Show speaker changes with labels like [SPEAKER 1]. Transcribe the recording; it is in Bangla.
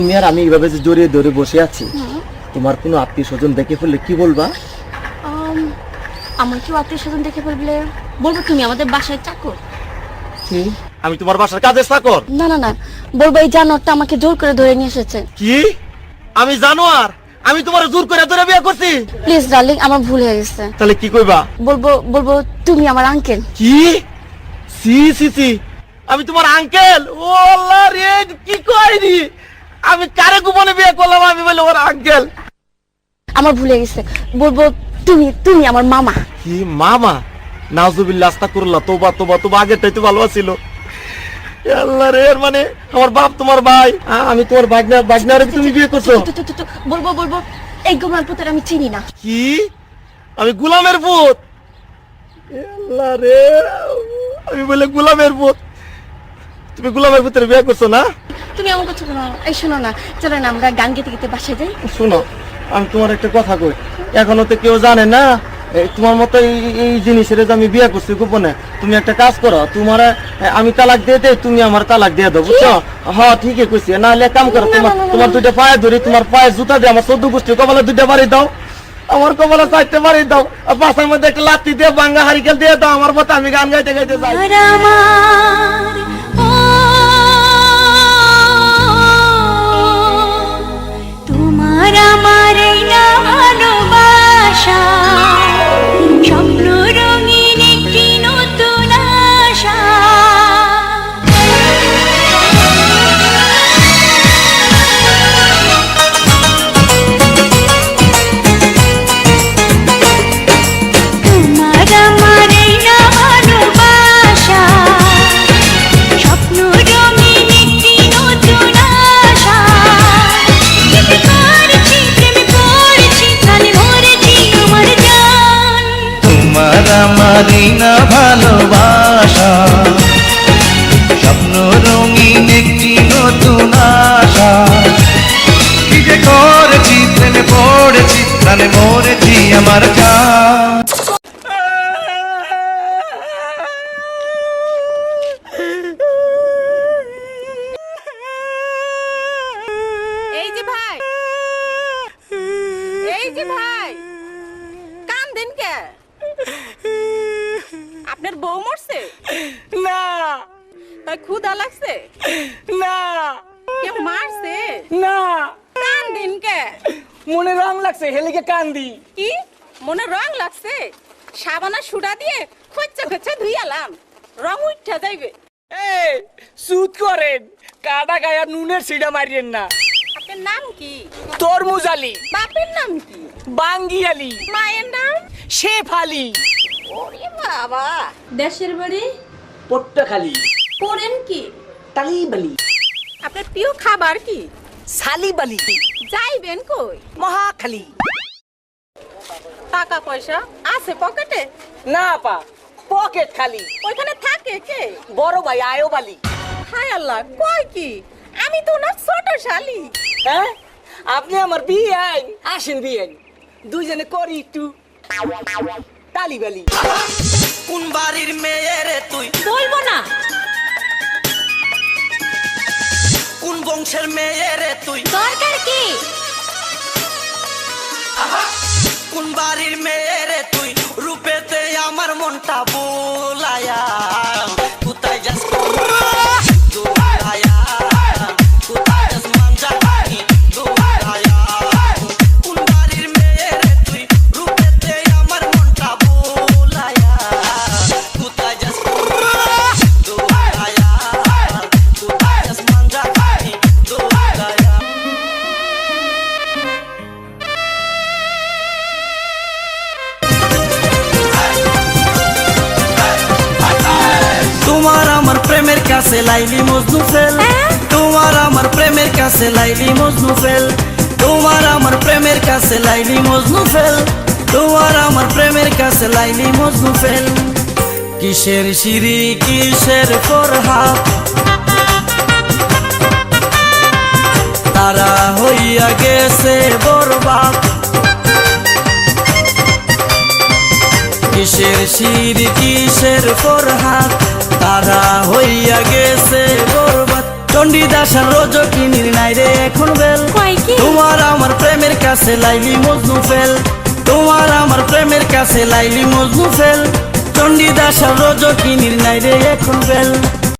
[SPEAKER 1] তুমি আর আমি এইভাবে যে জড়িয়ে ধরে বসে আছি, তোমার কোনো আত্মীয় স্বজন দেখে ফেললে কি বলবা?
[SPEAKER 2] আমার কেউ আত্মীয় স্বজন দেখে ফেললে বলবো তুমি আমাদের বাসায় চাকর।
[SPEAKER 1] কি? আমি তোমার বাসার কাজের চাকর?
[SPEAKER 2] না না না, বলবো এই জানোয়ারটা আমাকে জোর করে ধরে নিয়ে এসেছে।
[SPEAKER 1] কি? আমি জানোয়ার? আমি তোমার জোর করে ধরে বিয়ে করছি?
[SPEAKER 2] প্লিজ ডার্লিং, আমার ভুল হয়ে গেছে।
[SPEAKER 1] তাহলে কি কইবা?
[SPEAKER 2] বলবো তুমি আমার আঙ্কেল।
[SPEAKER 1] কি? সি সি সি, আমি তোমার আঙ্কেল? ও আল্লাহ রে, কি কইনি আমি? কারে গোপনে বিয়ে করলাম? আমি বলে ওর আঙ্কেল?
[SPEAKER 2] আমার ভুল হয়ে গেছে, বলবো তুমি আমার মামা।
[SPEAKER 1] কি মামা? নাউজুবিল্লাহ, আস্তাগফিরুল্লাহ, তোবা তোবা তোবা, আগেরটাই তো ভালো ছিল। আল্লাহ রে, মানে আমার বাপ তোমার ভাই, আমি তোমার বাগনারে তুমি বিয়ে করছো?
[SPEAKER 2] বলবো এই গোলামের পুতের আমি চিনি না।
[SPEAKER 1] কি? আমি গোলামের পুত? আল্লাহ রে, আমি বলে গোলামের পুত? তুমি গোলামের পুতের বিয়ে করছো না?
[SPEAKER 2] তুমি আমার কথা শোনো। এই শোনো না, চলো না আমরা গান গেতে গেতে বাসায় যাই।
[SPEAKER 1] শোনো, আমি তোমার একটা কথা কই, এখনো তো কেউ জানে না তোমার মতো এই জিনিসের যে আমি বিয়ে করছি গোপনে। তুমি একটা কাজ করো, তোমার আমি তালাক দিয়ে দেই, তুমি আমার তালাক দিয়ে দাও, বুঝছো? হ্যাঁ ঠিকই কইছি। না হলে কাম করো, তোমার দুইটা পায়ে ধরি, তোমার পায়ে জুতা দিয়ে আমার 14 গোষ্ঠীর কপালে দুইটা বাড়ি দাও, আমার কপালে 4টা বাড়ি দাও, আর পাশের মধ্যে একটা লাত্তি দিয়ে ভাঙ্গা হারিকেল দিয়ে দাও আমার মতো, আমি গান গাইতে গাইতে যাই।
[SPEAKER 3] তোমার আমার এই না ভালোবাসা, স্বপ্ন রঙিন একটি নতুন আশা। তোমার আমার এই না ভালোবাসা, স্বপ্ন রঙিন একটি নতুন আশা।
[SPEAKER 4] তোমার আমার এই না ভালোবাসা, স্বপ্ন রঙিন একটি নতুন আশা। কি যে করেছি, প্রেমে পড়েছি, প্রাণে মরেছি আমার জান।
[SPEAKER 5] এই যে ভাই, এই যে ভাই, কান দেন কে? আপনার বউ মরছে?
[SPEAKER 6] না
[SPEAKER 5] তাই ক্ষুধা লাগছে?
[SPEAKER 6] না
[SPEAKER 5] কেউ মারছে?
[SPEAKER 6] না,
[SPEAKER 5] কান দিন কে?
[SPEAKER 6] মনে রং লাগছে, হেলিকে কান্দি।
[SPEAKER 5] কি মনে রং লাগছে? সাবানা সুডা দিয়ে খচ্চা খচ্চা ধুইয়ালাম, রং উঠা যাইবে।
[SPEAKER 6] এই সুদ করেন, কাটা গায়া নুনের সিডা মারিয়েন না।
[SPEAKER 5] আপনার নাম কি?
[SPEAKER 6] তরমুজ আলী,
[SPEAKER 5] বাপের নাম কি?
[SPEAKER 6] বাঙ্গি আলী,
[SPEAKER 5] মায়ের নাম?
[SPEAKER 6] শেফ আলী।
[SPEAKER 5] ওরে বাবা।
[SPEAKER 7] দেশের বাড়ি
[SPEAKER 6] পট্টখালি,
[SPEAKER 7] পড়েন কি?
[SPEAKER 6] তালিবালি,
[SPEAKER 5] আপনার প্রিয় খাবার কি?
[SPEAKER 6] সালিবালি,
[SPEAKER 5] যাইবেন কই?
[SPEAKER 6] মহাখালী।
[SPEAKER 5] টাকা পয়সা আছে পকেটে?
[SPEAKER 6] না পা, পকেট খালি।
[SPEAKER 5] ওইখানে থাকে কে?
[SPEAKER 6] বড় ভাই আয়ব আলী।
[SPEAKER 5] হায় আল্লাহ, কয় কি? আমি তো ওনার ছোট শালি।
[SPEAKER 6] হ্যাঁ, আপনি আমার বিয়ে আইন, আসেন বিয়ে আইন, দুইজনে করি একটু তালিবালি।
[SPEAKER 4] কোন বাড়ির মেয়ে রে তুই?
[SPEAKER 7] বলবো না।
[SPEAKER 4] কোন বংশের মেয়ে রে তুই?
[SPEAKER 7] দরকার কি?
[SPEAKER 4] কোন বাড়ির মেয়ে রে তুই? রূপেতে আমার মনটা বোলায়া, কোথায় যাস দোলায়া, কোথায় যাস মানজানি দোলায়া। কোন বাড়ির মেয়ে রে তুই? রূপেতে আমার মনটা বোলায়া, কোথায় যাস দোলায়া, কোথায় যাস মানজানি দোলায়া। তোমার আমার প্রেমের কাছে লাইলি মজনু ফেল, তোমার আমার প্রেমের কাছে লাইলি মজনু ফেল, তোমার আমার প্রেমের কাছে লাইলি মজনু ফেল, তোমার আমার প্রেমের কাছে লাইলি মজনু ফেল। কিসের সিঁড়ি কিসের ফরহাদ, তারা হইয়া গেছে বরবাদ। কিসের সিঁড়ি কিসের ফরহাদ, তারা হইয়া গেছে বরবাদ। চণ্ডীদাস আর রজকিনীর নাই রে এখন বেল
[SPEAKER 3] কয় কি?
[SPEAKER 4] তোমার আমার প্রেমের কাছে লাইলি মজনু ফেল তোমার আমার প্রেমের কাছে লাইলি মজনু ফেল চণ্ডীদাস আর রজকিনীর নাই রে এখন বেল